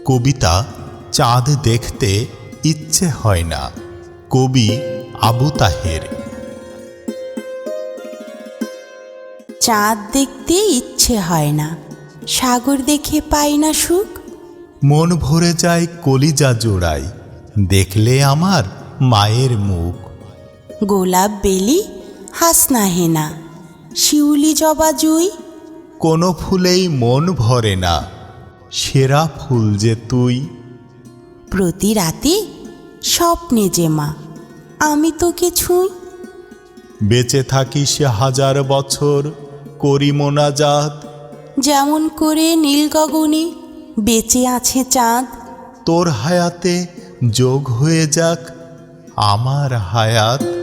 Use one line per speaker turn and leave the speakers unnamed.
কবিতা চাঁদ দেখতে ইচ্ছে হয় না। কবি আবু তাহের।
চাঁদ দেখতে ইচ্ছে হয় না, সাগর দেখে পাই না সুখ।
মন ভরে যায় কলিজা জোড়ায়, দেখলে আমার মায়ের মুখ।
গোলাপ বেলি হাসনা হেনা, শিউলি জবা জুই।
কোনো ফুলেই মন ভরে না, সেরা ফুল যে তুই।
প্রতি রাতে স্বপ্নে যে মা, আমি তোকে ছুঁই।
বেঁচে থাকি সে হাজার বছর, করি মোনাজাত।
যেমন করে নীল গগনে বেঁচে আছে চাঁদ।
তোর হায়াতে যোগ হয়ে যাক আমার হায়াত।